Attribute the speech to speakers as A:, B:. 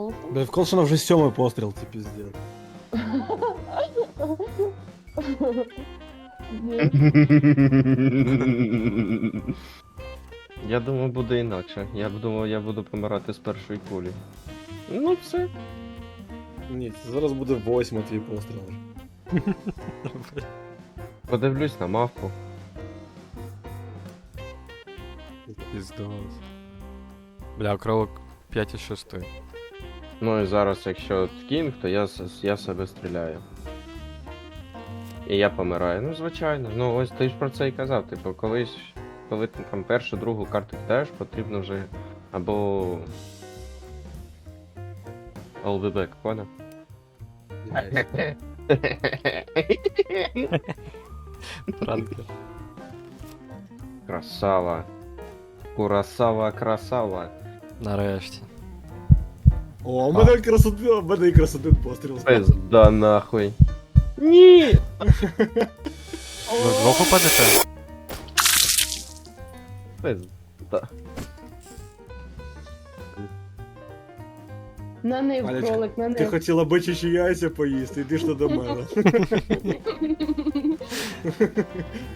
A: золото.
B: Да в Колшина вже 7-й постріл, це піздець.
A: Ні.
C: Я думав, буде інакше. Я б думав, я буду помирати з першої кулі. Ну все.
B: Ні, це зараз буде 8-й твій постріл.
C: Подивлюсь на мавку.
D: Піздос. Бля, кролик 5,6.
C: Ну і зараз, якщо кінг, то я себе стріляю. І я помираю. Ну, звичайно. Ну ось ти ж про це і казав. Типу, колись, коли ти там першу, другу карту кидаєш, потрібно вже або. I'll be back, понял?
D: Пранки.
C: Красава. Курасава, красава.
D: Нарешті.
B: О, у мене якраз один постріл.
C: Пизда нахуй. Ні!
D: Ви вдвох упадете?
C: Пизда.
A: На них,
B: Алечка,
A: кролик, на
B: Ти
A: них.
B: хотіла бичачі яйця поїсти, йди ж ти до мене.